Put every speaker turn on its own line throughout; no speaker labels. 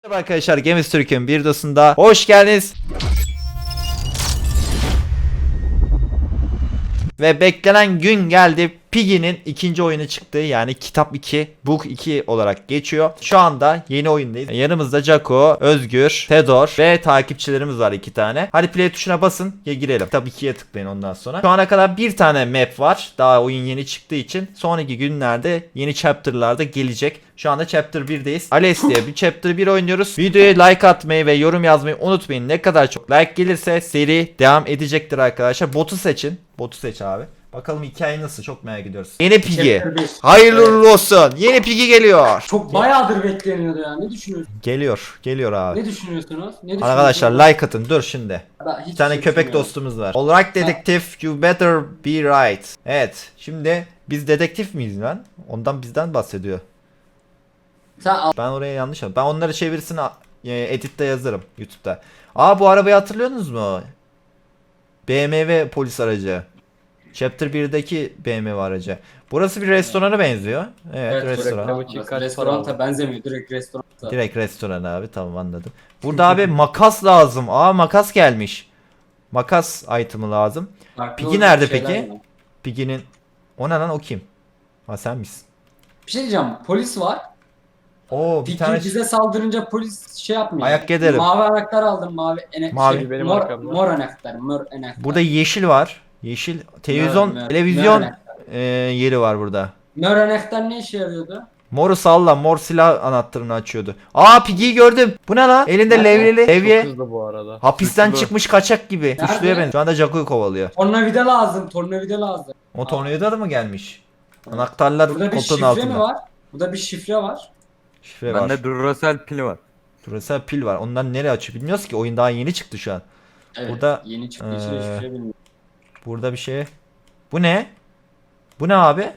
Merhaba arkadaşlar, Games Türk'ün bir videosunda hoş geldiniz. Ve beklenen gün geldi. Piggy'nin ikinci oyunu çıktı. Yani Kitap 2, Book 2 olarak geçiyor. Şu anda yeni oyundayız. Yanımızda Jaco, Özgür, Fedor ve takipçilerimiz var 2 tane. Hadi play tuşuna basın ya girelim. Kitap 2'ye tıklayın ondan sonra. Şu ana kadar bir tane map var. Daha oyun yeni çıktığı için. Sonraki günlerde yeni chapter'larda gelecek. Şu anda chapter 1'deyiz. Ales diye bir chapter 1 oynuyoruz. Videoya like atmayı ve yorum yazmayı unutmayın. Ne kadar çok like gelirse seri devam edecektir arkadaşlar. Botu seçin. Botu seç abi. Bakalım hikaye nasıl, çok merak ediyoruz. Yeni Piggy.
Chapter 1.
Hayırlı
Evet.
uğurlu olsun. Yeni Piggy geliyor.
Çok bayağıdır bekleniyordu ya. Ne düşünüyorsunuz?
Geliyor abi.
Ne düşünüyorsunuz?
Arkadaşlar like atın. Dur şimdi.
Ben hiç
Bir tane
şey
köpek
düşünmüyorum.
dostumuz var. Alright dedektif, you better be right. Evet. Şimdi biz dedektif miyiz lan? Ondan bizden bahsediyor.
Sen al.
Ben oraya yanlış yaptım. Ben onları çevirisini editte yazarım YouTube'da. Aa, bu arabayı hatırlıyorsunuz mu? BMW polis aracı. Chapter 1'deki BMW aracı. Burası bir restorana benziyor. Evet, restoran.
reklamı için kaç para
Restoranta
aldın?
benzemiyor. Direkt restoranta.
Direkt restoran abi, tamam anladım. Burada abi makas lazım. Aa, makas gelmiş. Makas item'ı lazım.
Farklı
Piggy
olacak
nerede
şeyler
peki?
var.
Piggy'nin... O ne lan, o kim? Ha, sen misin?
Bir şey diyeceğim. Polis var.
Oo, bir
Piggy
tane...
bize saldırınca polis şey yapmıyor.
Ayak ederim.
Mavi anahtar aldım.
Mavi.
Şey,
Benim
mor,
arkamda.
mor anahtar. Mor anahtar.
Burada yeşil var. Yeşil televizyon
Mör
televizyon
anahtar.
yeri var burada.
Mor anahtar ne işe yarıyordu?
Moru salla, mor silah anahtarını açıyordu. Aa, Piggy'yi gördüm. Bu ne lan? Elinde
Nerede?
levyeli.
Çok
Levye.
hızlı bu arada.
Hapisten
Suçlu.
çıkmış kaçak gibi.
Nerede?
Suçluya benziyor. Şu anda Jaco'yu kovalıyor.
Tornavida lazım. Tornavida lazım.
O tornavida da mı gelmiş? Anahtarlar
Burada bir
koltuğun
şifre
altında.
mi var? Burada bir şifre var.
Şifre var.
Bende Duracell pili var.
Duracell pil var. Ondan nereye açıyor bilmiyoruz ki. Oyun daha yeni çıktı şu an.
Evet.
Burada,
Yeni çıktığı için de şifre bilmiyorum.
Burada bir şey. Bu ne? Bu ne abi?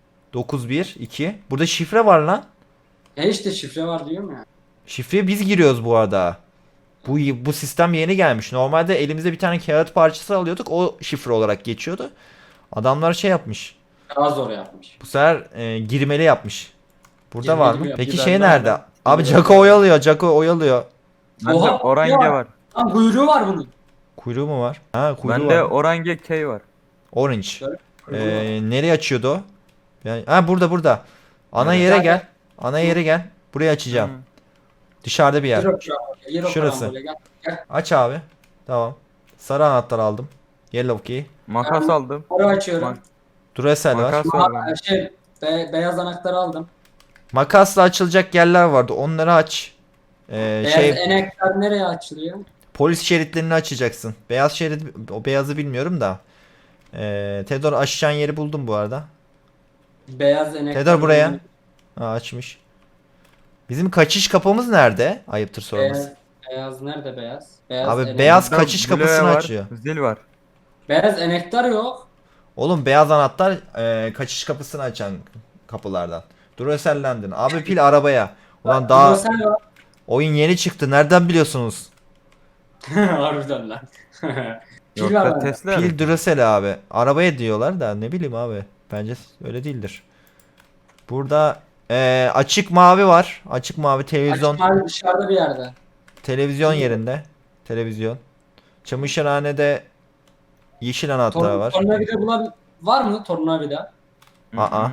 912. Burada şifre var lan.
İşte şifre var diyorum ya.
Şifreye biz giriyoruz bu arada. Bu sistem yeni gelmiş. Normalde elimizde bir tane kağıt parçası alıyorduk. O şifre olarak geçiyordu. Adamlar şey yapmış.
Daha zor yapmış.
Bu sefer girmeli yapmış. Burada
Girmeli
var
mi
mı?
yap-
Peki
Güzel
şey
var
nerede?
mı?
Abi
Güzel
Jaco
var.
oyalıyor. Jaco oyalıyor.
Bende
Oha,
Orange
ya.
var.
Lan kuyruğu var bunun.
Kuyruğu mu var? Ha, kuyruğu
Bende
var.
Orange K var.
Orange.
Şöyle kuyruğu var.
Nereye açıyordu o? Yani, ha, burada. Ana
Evet.
yere gel. Ana yere gel. Burayı açacağım.
Hı.
Dışarıda bir yer.
Yer o
Şurası.
karambole, gel. Gel.
Aç abi. Tamam. Sarı anahtar aldım. Yellow key.
Makas aldım.
Orayı açıyorum.
Mak-
Duracell var.
Makas var bende.
Beyaz anahtarı aldım.
Makasla açılacak yerler vardı. Onları aç.
Beyaz
Şey,
enekler nereye açılıyor?
polis şeritlerini açacaksın. Beyaz şerit, o beyazı bilmiyorum da. Tedor, aşacağın yeri buldum bu arada.
Beyaz enekler.
Tedor buraya. Ha, açmış. Bizim kaçış kapımız nerede? Ayıptır sorması.
Beyaz nerede beyaz? Beyaz
Abi
enek-
beyaz
Bende
kaçış
Blue
kapısını
var,
açıyor.
Zil var.
Beyaz enektar yok.
Oğlum, beyaz anahtar kaçış kapısını açan kapılardan. Duracell'lendin. Abi pil arabaya. Ulan daha
Sen yok.
oyun yeni çıktı. Nereden biliyorsunuz?
Harbiden lan. Pil var
Yoksa
bende.
Tesla.
Pil Duracell abi. Arabaya diyorlar da ne bileyim abi. Bence öyle değildir. Burada açık mavi var. Açık mavi televizyon.
Açık mavi dışarıda bir yerde.
Televizyon yerinde. Televizyon. Çamaşırhanede yeşil anahtar var.
Tornavida var mı tornavida?
Aa.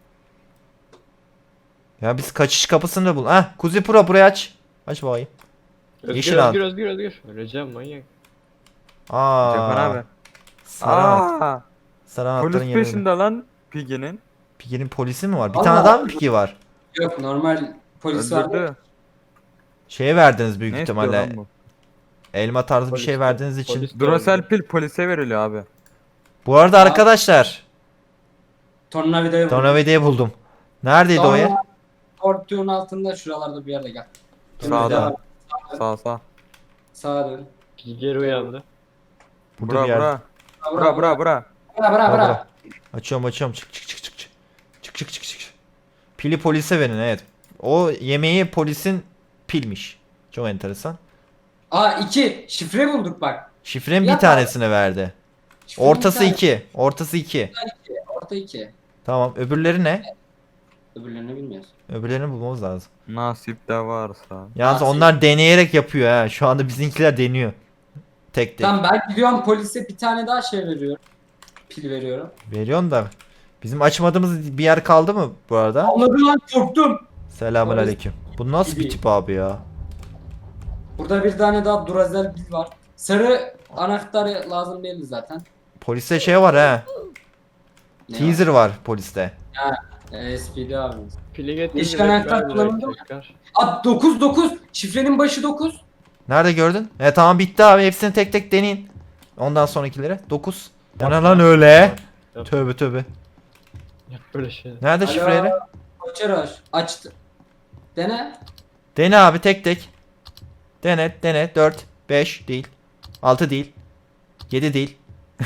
Ya biz kaçış kapısını da bul. Heh, Kuzi Pro, burayı aç. Aç bakayım.
Özgür,
Yeşil
Özgür. Öleceğim manyak.
Cafer
Aa.
abi.
Sarı anahtar.
Aa,
Sarı anahtarın
polis
yerinde.
peşinde lan Piggy'nin.
Piggy'nin polisi mi var? Bir
Allah
tane
Allah.
daha mı Piggy var?
Yok normal polis var.
Öldürdü.
Şeye verdiniz büyük
Ne istiyor
ihtimalle.
lan bu?
Elma tarzı bir
Polis
şey
de-
verdiğiniz için.
polis de
Duracell
öldü.
pil polise veriliyor abi.
Bu arada arkadaşlar,
Tornavidayı buldum.
tornavidayı buldum. Neredeydi o yer?
Portiyonun altında şuralarda bir yerde gel.
Sağda. Sağ.
Sağa dön.
Geri uyandı.
Burada
Bura
bir yer.
bura. Bura.
Bura.
Bura.
Bura.
Açıyorum. Çık. Çık. Pili polise verin, evet. O yemeği polisin pilmiş. Çok enteresan.
Aa 2. Şifre bulduk bak.
Şifrenin bir
Yap
tanesini verdi.
Şifrenin
Ortası
bir tane-
2. Ortası 2.
Orta 2.
Tamam. Öbürleri ne?
Öbürlerini bilmiyoruz.
Öbürlerini bulmamız lazım.
Nasip de varsa.
Yalnız
Nasıl?
onlar deneyerek yapıyor ha. Şu anda bizimkiler deniyor. Tek tek.
Tamam ben gidiyorum polise bir tane daha şey veriyorum. Pil veriyorum.
Veriyorsun da. Bizim açmadığımız bir yer kaldı mı bu arada?
Anladım lan korktum.
Selamünaleyküm. Bu nasıl bir tip abi ya?
Burada bir tane daha Duracell pil var. Sarı anahtarı lazım değil zaten.
Poliste şey var ha.
Ne
Teaser var poliste.
SPD abimiz.
Pili getir.
Yeşil
direkt
anahtar
ver
kullanıldı
direkt
mı?
tekrar.
Abi 9. Şifrenin başı 9.
Nerede gördün? Tamam bitti abi. Hepsini tek tek deneyin. Ondan sonrakileri. 9. O ne lan öyle?
Yap.
Tövbe tövbe.
Yap böyle şey.
Nerede şifreleri?
Koçeroş açtı. Dene.
Dene abi tek tek. Dene. 4, 5 değil. 6 değil. 7 değil.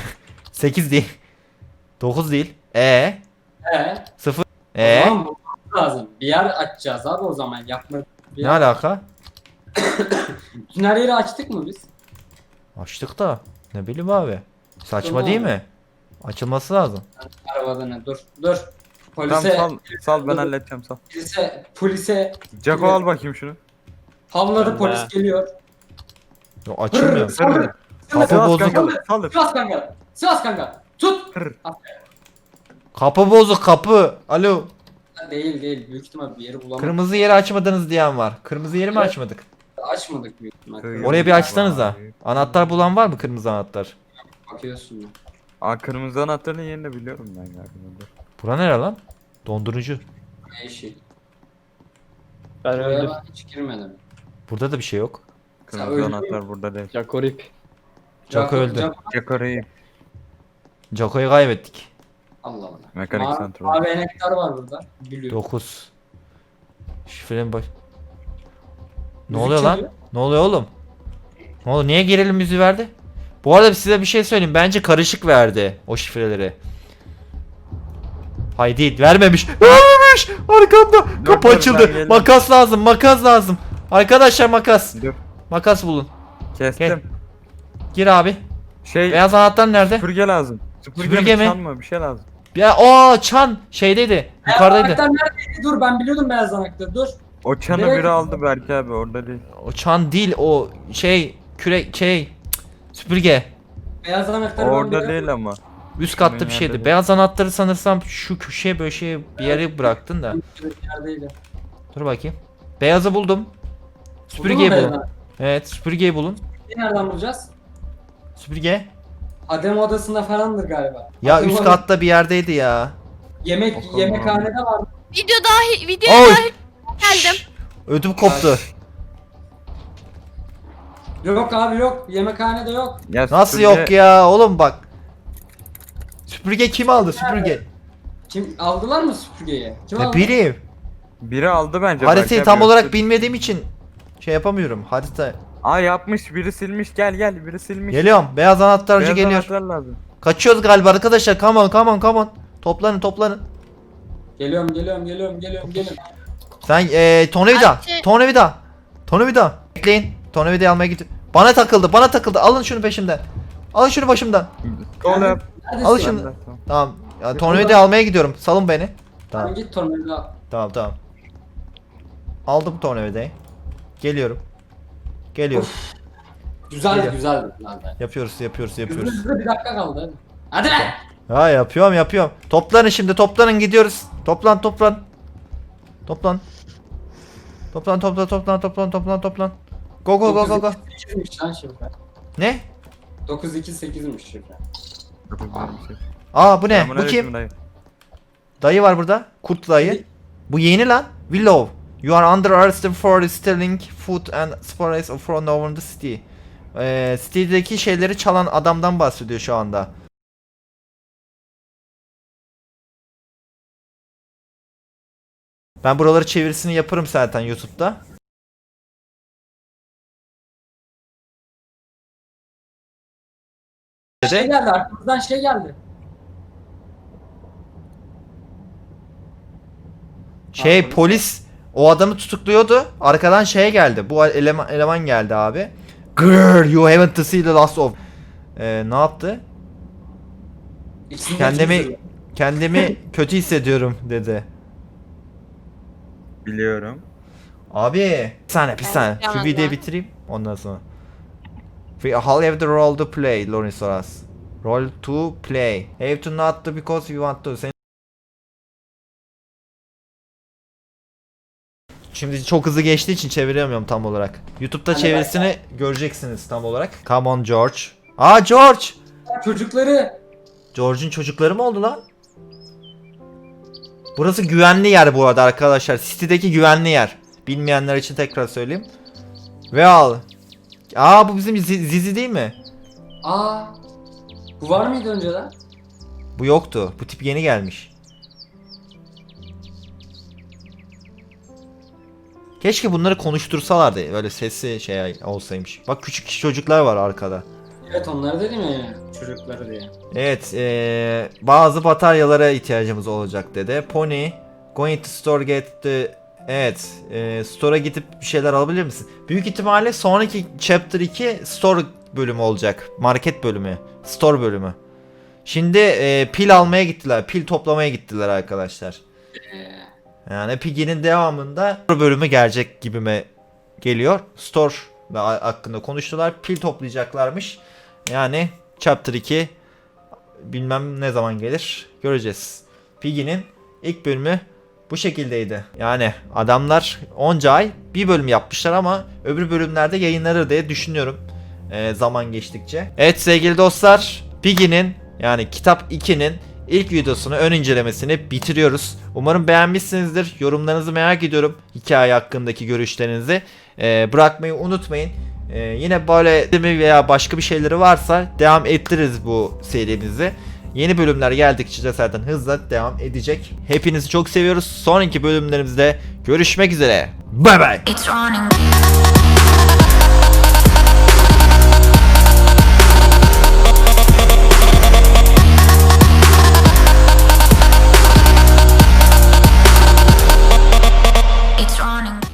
8 değil. 9 değil.
E.
0.
O zaman bulmamız lazım. Bir yer açacağız abi o zaman yapma. Bir
Ne
yer-
alaka?
Bütün her yeri açtık mı biz?
Açtık da. Ne bileyim abi. Saçma
Tamam.
değil mi? Açılması lazım.
Arabada ne? Dur.
Tamam
Polise,
sal ben halledeceğim sal.
polise
Jaco al bakayım şunu.
havladı
Ben
polis
de.
geliyor.
Yo, açılmıyor.
Saldır.
Kapı
Sivas
bozuk.
kanka, saldır.
Sivas kanka. Sivas kanka. Tut.
Kapı bozuk kapı. Alo.
Değil. Büyük ihtimal bir yeri bulamadık.
Kırmızı yeri açmadınız diyen var. Kırmızı yeri mi
Evet.
açmadık?
Açmadık büyük ihtimal.
Oraya bir açsanıza. Anahtar bulan var mı kırmızı anahtar?
Bakıyorsun.
Aa kırmızı anahtarın yerini biliyorum ben galiba. Dur.
Bura nere lan? Dondurucu.
Ne işi?
Ben
Buraya
öldüm.
ben hiç girmedim.
Burada da bir şey yok.
Sen
Kırmızı
öldün
anahtar burada değil.
Jaco rip.
Jaco öldü.
Jaco'yu
Jaco'yu kaybettik.
Allah Allah.
mekanik santral.
Mavi enektar var burada. Biliyorum.
9. Şifrenin baş... Ne
Müzik
oluyor lan?
çalıyor.
Ne oluyor oğlum? Ne oldu? Niye gerilim müziği verdi? Bu arada size bir şey söyleyeyim. Bence karışık verdi o şifreleri. Hayır değil. Vermemiş. Vermemiş. Arkamda. Kapı
dur,
açıldı.
ben geldim.
Makas lazım. Makas lazım. Arkadaşlar makas.
Dur.
Makas bulun.
Kestim.
Gir abi.
Şey
Beyaz anahtar nerede?
süpürge lazım.
Süpürge mi?
Çalma bir şey lazım.
Ya o çan şeydeydi. Yukarıdaydı.
Anahtar neredeydi? Dur ben biliyordum beyaz anahtarı. Dur.
O çanı
Nereye
biri aldı Berk abi orada değil.
O çan değil o şey kürek şey süpürge.
Beyaz anahtarı ben
Orada
biliyorum.
değil ama.
Üst katta bir
Nerede
şeydi.
değil.
Beyaz anahtarı sanırsam şu köşeye böyle şey bir yere bıraktın da.
Neredeydi?
Dur bakayım. Beyazı buldum. Süpürgeyi
Buldun mu
bulun.
beyaz anahtarı?
Evet süpürgeyi bulun.
Nereden bulacağız?
Süpürge.
Adem odasında falandır galiba.
Ya
Adem
üst
odası-
katta bir yerdeydi ya.
Bakalım.
Yemekhanede var.
Videoya
Oy!
dahil geldim.
Ödüm koptu.
Yok abi yok. Yemekhanede yok.
Ya
Nasıl
süpürge-
yok ya oğlum bak. Süpürge kim aldı süpürge?
Kim aldılar mı süpürgeyi? Kim
Ne
aldı?
bileyim.
Biri aldı bence.
Haritayı
Berk
tam
abi,
olarak
yoksa-
bilmediğim için şey yapamıyorum. Harita.
Aa yapmış biri silmiş gel biri silmiş.
Geliyorum. Beyaz anahtarcı
Beyaz
geliyor.
anahtar lazım.
Kaçıyoruz galiba arkadaşlar. Come on. Toplanın.
Geliyorum.
Sen tornavida.
Ayşe.
Tornavida. Bekleyin. Tornavidayı almaya git. Bana takıldı. Alın şunu peşimden. Alın şunu başımdan.
Kol yap.
Neredesin?
Al şunu.
Ben de- tamam.
Tamam. Ya, tornavidayı almaya gidiyorum. Salın beni.
Tamam
Tamam.
git tornavida.
Tamam. Aldım tornavidayı. Geliyorum.
Güzeldi
Geliyor.
güzeldi.
Yapıyoruz.
Hızlı bir dakika kaldı hadi. Hadi lan.
Ha yapıyorum. Toplanın şimdi. Gidiyoruz. Toplan. Toplan. Go.
928'miş lan şifre.
Ne?
928'miş şifre.
Aa bu ne? Bu
Selamünaleyküm
kim?
dayı.
Dayı var burada. Kurt dayı. Bu yeni lan. Willow. You are under arrest for stealing food and supplies from over the city. City'deki şeyleri çalan adamdan bahsediyor şu anda. Ben buraları çevirisini yaparım zaten YouTube'da.
Şey geldi arkamızdan şey geldi.
Şey polis o adamı tutukluyordu. Arkadan şey geldi. Bu eleman geldi abi. Grrr, you haven't to see the last of. Ne yaptı?
İkisini de
Kendimi
çözdü.
kendimi kötü hissediyorum dedi.
Biliyorum.
Abi bir saniye. Şu
Yalan
videoyu
ya.
bitireyim ondan sonra. How have the role to play, Lawrence Soras. Role to play. Have to not to because you want to. Şimdi çok hızlı geçtiği için çeviremiyorum tam olarak. YouTube'da
Hadi
çevirisini göreceksiniz tam olarak. Come on George. Aa George!
Çocukları.
George'un çocukları mı oldu lan? Burası güvenli yer bu arada arkadaşlar. City'deki güvenli yer. Bilmeyenler için tekrar söyleyeyim. Well. Aa bu bizim Zizi değil mi?
Aa. Bu var mıydı önceden?
Bu yoktu. Bu tip yeni gelmiş. Keşke bunları konuştursalardı. Böyle sesi şey olsaymış. Bak küçük çocuklar var arkada.
Evet onlar dedim ya çocukları diye.
Evet, bazı bataryalara ihtiyacımız olacak dedi. Pony, going to store get the... Evet, store'a gidip bir şeyler alabilir misin? Büyük ihtimalle sonraki chapter 2 store bölümü olacak. Market bölümü, store bölümü. Şimdi pil almaya gittiler, pil toplamaya gittiler arkadaşlar. Yani Piggy'nin devamında store bölümü gelecek gibime geliyor. Store hakkında konuştular, pil toplayacaklarmış. Yani chapter 2 bilmem ne zaman gelir göreceğiz. Piggy'nin ilk bölümü bu şekildeydi. Yani adamlar onca ay bir bölüm yapmışlar ama öbür bölümlerde yayınlanır diye düşünüyorum zaman geçtikçe. Evet sevgili dostlar, Piggy'nin yani kitap 2'nin ilk videosunu, ön incelemesini bitiriyoruz. Umarım beğenmişsinizdir. Yorumlarınızı merak ediyorum. Hikaye hakkındaki görüşlerinizi bırakmayı unutmayın. Yine böyle veya başka bir şeyleri varsa devam ettiririz bu serimizi. Yeni bölümler geldikçe de zaten hızla devam edecek. Hepinizi çok seviyoruz. Sonraki bölümlerimizde görüşmek üzere. Bye bye.
It's running.